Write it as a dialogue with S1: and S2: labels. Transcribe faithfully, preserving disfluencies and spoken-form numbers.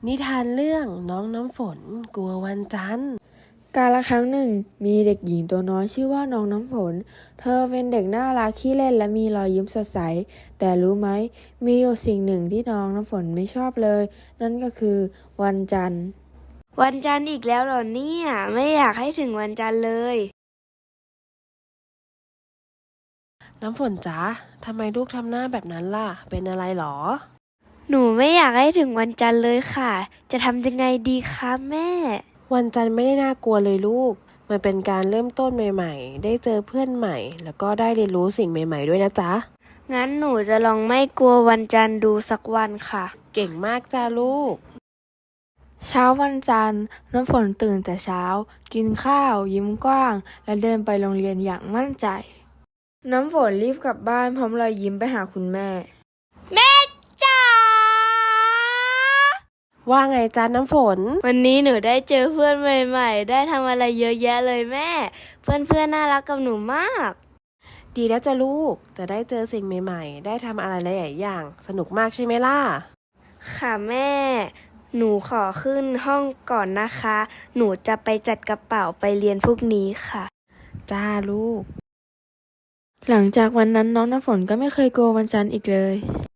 S1: นิทานเรื่องน้องน้ำฝนกลัววันจันทร์
S2: กาลครั้งหนึ่งมีเด็กหญิงตัวน้อยชื่อว่าน้องน้ำฝนเธอเป็นเด็กน่ารักขี้เล่นและมีรอยยิ้มสดใสแต่รู้ไหมมีอยู่สิ่งหนึ่งที่น้องน้ำฝนไม่ชอบเลยนั่นก็คือวันจันทร์
S3: วันจันทร์อีกแล้วเหรอเนี่ยไม่อยากให้ถึงวันจันทร์เลย
S1: น้ำฝนจ๊ะทำไมลูกทำหน้าแบบนั้นล่ะเป็นอะไรหรอ
S3: หนูไม่อยากให้ถึงวันจันทร์เลยค่ะจะทำยังไงดีคะแม่
S1: วันจันทร์ไม่ได้น่ากลัวเลยลูกมันเป็นการเริ่มต้นใหม่ๆได้เจอเพื่อนใหม่แล้วก็ได้เรียนรู้สิ่งใหม่ๆด้วยนะจ๊ะ
S3: งั้นหนูจะลองไม่กลัววันจันทร์ดูสักวันค่ะ
S1: เก่งมากจ้าลูก
S2: เช้าวันจันทร์น้ำฝนตื่นแต่เช้ากินข้าวยิ้มกว้างและเดินไปโรงเรียนอย่างมั่นใจน้ำฝนรีบกลับบ้านพร้อมรอยยิ้มไปหาคุณแม่
S3: แม่จ๋า
S1: ว่าไงจ้าน้ำฝน
S3: วันนี้หนูได้เจอเพื่อนใหม่ๆได้ทำอะไรเยอะแยะเลยแม่เพื่อนๆน่ารักกับหนูมาก
S1: ดีแล้วจ้าลูกจะได้เจอสิ่งใหม่ๆได้ทำอะไรหลายๆอย่างสนุกมากใช่ไหมล่ะ
S3: ค่ะแม่หนูขอขึ้นห้องก่อนนะคะหนูจะไปจัดกระเป๋าไปเรียนพรุ่งนี้ค่ะ
S1: จ้าลูก
S2: หลังจากวันนั้นน้องน้ำฝนก็ไม่เคยกลัววันจันทร์อีกเลย